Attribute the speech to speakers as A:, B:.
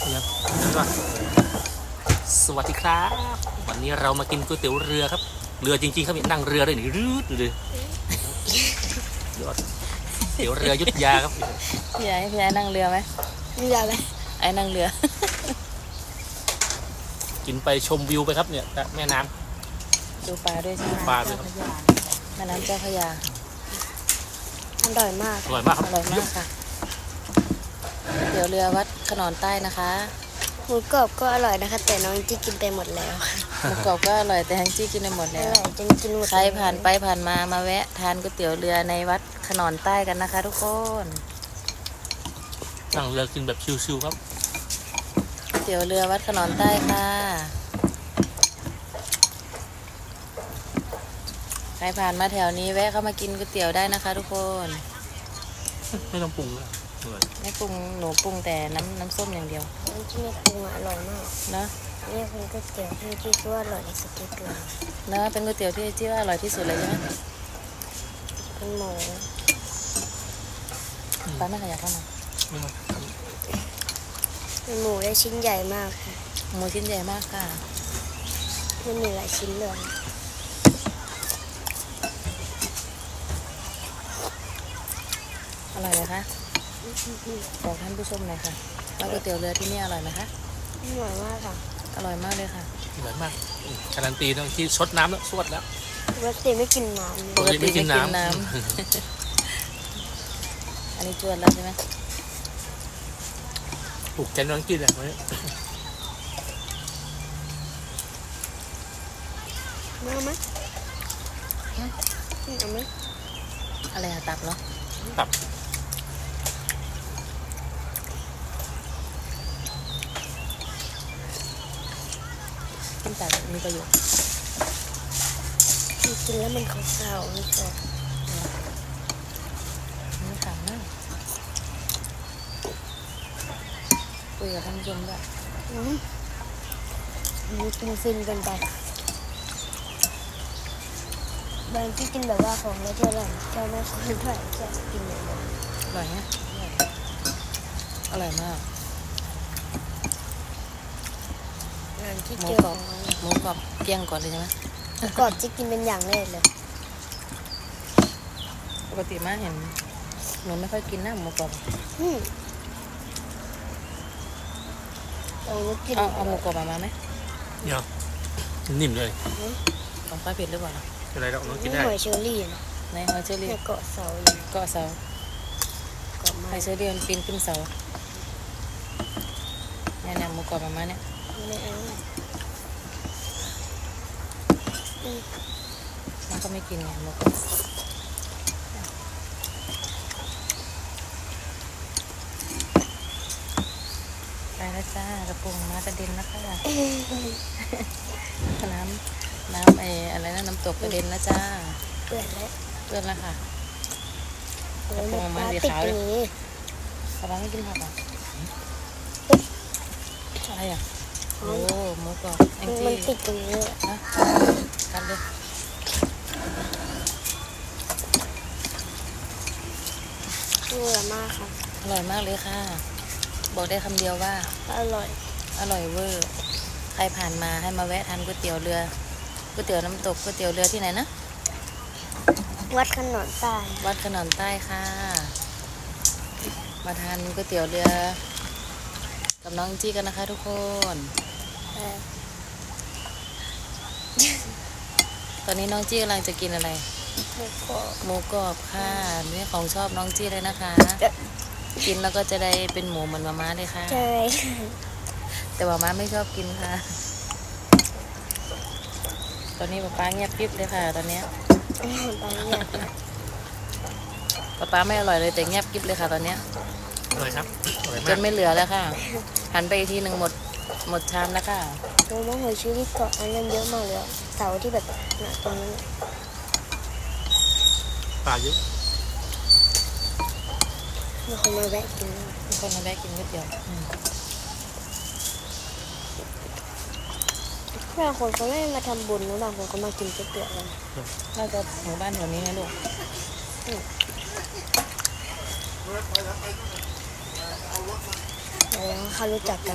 A: นะสวัสดีครับวันนี้เรามากินก๋วยเตี๋ยวเรือครับเรือจริงๆครับนั่งเรือด้วยนี่รืดเลยยอดเตี๋ยวเรือยุทธยาครับ
B: พี่ไอ้นั่งเรือไหม
C: เรือไหม
B: ไอ้นั่งเรือ
A: กินไปชมวิวไปครับเนี่ยแม่น้ำ
B: ดูปลาด้วยใช่ไหม
A: ปลาด้วยครับ
B: แม่น้ำเจ้าพระยา
C: อร่อยมาก
A: อร่อยมากค
B: อ
A: รับ
B: ร่อยมากค่ะก๋วยเตี๋ยวเรือวัดขนอนใต้นะคะ
C: หมูกรอบก็อร่อยนะคะ แต่น้องจี้กินไปหมดแล้ว
B: หมูกรอบก็อร่อยแต่แฮงจี้กินไปหมด
C: อ
B: แล้ว
C: ร่อยจนกินหมด
B: ใครผ่านไปผ่านมามาแวะทานก๋วยเตี๋ยวเรือในวัดขนอนใต้กันนะคะ ทุกคน
A: นั่งเรือกินแบบชิวๆครับ
B: ก๋วยเตี๋ยวเรือวัดขนอนใต้ค่ะใครผ่านมาแถวนี้แวะเข้ามากินก๋วยเตี๋ยวได้นะคะ ทุกคน
A: ไม่ต้องปรุงเลยอร่อย
B: ไม่ปรุงหนูปรุงแต่น้ำส้มอย่างเดียว
C: น้องจี้ไม่ปรุงอร่อยมาก
B: เนาะ
C: นี่เป็นก๋วยเตี๋ยวที่จี้คิดว่าอร่อยที่สุดที่เกลือ
B: เนาะเป็นก๋วยเตี๋ยวที่ว่าอร่อยที่สุดเลยใช่ไหม
C: เป็นหมู
B: ป้าไม่ขยับเข้ามา
A: ไม่ต้อง
C: เป็นหมูได้ชิ้นใหญ่มากค่ะ
B: หมูชิ้นใหญ่มากค่ะ
C: มันมีหลายชิ้นเลย
B: อร่อยไหมคะบอกท่านผู้ชมหน่อยค่ะว่าก๋วยเตี๋ยวเรือที่นี่อร่อยไหมคะ
C: อร่อยมากค่ะ
B: อร่อยมากเลยค่ะ
A: อร่อยมากการันตีนะที่ชดน้ำแล้วสวดแล้ว
C: ปกติไม่กินน้ำเลย
A: ปกติไม่กินน้ำ
B: อันนี้จวนแล้วใช่ไหม
A: ถูกใจน้องกินเลยวันนี้
C: เอาไหมเอาไหม
B: อะไรอะตับเหรอ
A: ตับ
B: กินตับมีประโยชน์
C: กินแล้วมันขาวๆไม่ชอบ
B: ไม่ขาวมากคุยกับท่านผู้ชมด้วย
C: มันกินฟินเกันไปบางที่กินแบบว่าของแล้วเท่าไหร่เจ้าไม่ค่อยเท่าไหร่จะกินอย่างนั้น
B: อร่อยไหมอร่อยมาก
C: งานที่
B: หมู
C: เจอก
B: รอบหมูกรอบเกลี้ยงก่อนเลยใช่ไหม
C: กรอบจะกินเป็นอย่างแรกเลย
B: ปกติมาเห็นหนูไม่ค่อยกินนะหมูกรอบ
C: เราไม่กิน
B: เอาหมูกรอบมาไหม
A: เนี่ยนิ่มเลย
B: ของป้าเผ็ดหรือเปล่า
A: อะไรเราน้องกิน
C: นี่
A: ได้
C: หอยเชอรี่นะ
B: ในฮอเจอรี่
C: เนี่ยเกาะเสาอยู่
B: เกาะเสา
C: เกาะไม้
B: ไฮเชอรี่มันปีนขึ้นเสาเนี่ยหมูกรอบมาเนี่ย
C: ไม่เอา
B: มันก็ไม่กินไงหมูกรอบไปแล้วจ้ากระปุงมากระเด็นนะคะน้ำอะไรนะน้ำตกกระเด็นนะจ้า
C: เปื่อยแล้ว
B: เพื่อนละค่ะ
C: โอ้ย
B: กระโปรงมัน
C: ปลา
B: สี
C: ติด
B: ขาว
C: ต
B: เล
C: ร
B: ย
C: งนี้
B: กระปังไม่กินผักอ่ะอะไรอ่ะโอ้หมูกรอบแอง
C: มัน
B: จี้
C: ติดตรงนี้
B: นะกันเลย
C: เบื่อมากค่ะ
B: อร่อยมากเลยค่ะ บอกได้คำเดียวว่า
C: อร่อย
B: อร่อยเวอร์ ใครผ่านมาให้มาแวะทานก๋วยเตี๋ยวเรือก๋วยเตี๋ยวน้ำตกก๋วยเตี๋ยวเรือที่ไหนนะ
C: วัดขนนใต้
B: วัดขนอนใต้ค่ะ มาทานก๋วยเตี๋ยวเรือกับน้องจี้กันนะคะ ทุกคน
C: เออ
B: ตอนนี้น้องจี้กำลังจะกินอะไร
C: แล้วก็
B: หมูกรอบค่ะนี่ของชอบน้องจี้เลยนะคะ กินแล้วก็จะได้เป็นหมูเหมือนมาม่าเลยค่ะ
C: ใช่
B: แต่มาม่าไม่ชอบกินค่ะ ตอนนี้ป๊าเงียบกริบเลยค่ะ ตอนเนี้ย
C: บางอย่าง
B: ป๊าไม่อร่อยเลยแต่เงียบกริบเลยค่ะ ตอนเนี้ย
A: อร่อยครับอร่อย
B: จ
A: มาก
B: นไม่เหลือแล้วค่ะ หันไปอีกทีหนึ่งหมดชามแล้วค่ะ
C: โอ้ยหอยเชอรี่เกาะอันนั้นเยอะมากเลยอะเสาที่แบบน่ะตรงนั้นน่ะ
A: ปลาเยอะ
C: มีคนมาแวะกิน
B: มีคนมาแวะกินก๋วยเตี๋ยว
C: บางคนเขาไม่มาทำบุญนะบางคนเขามากินก๋วยเตี๋ยวกัน
B: น่าจะหมู่บ้านแถวนี้นะลูก
C: แล้วเขารู้จักกัน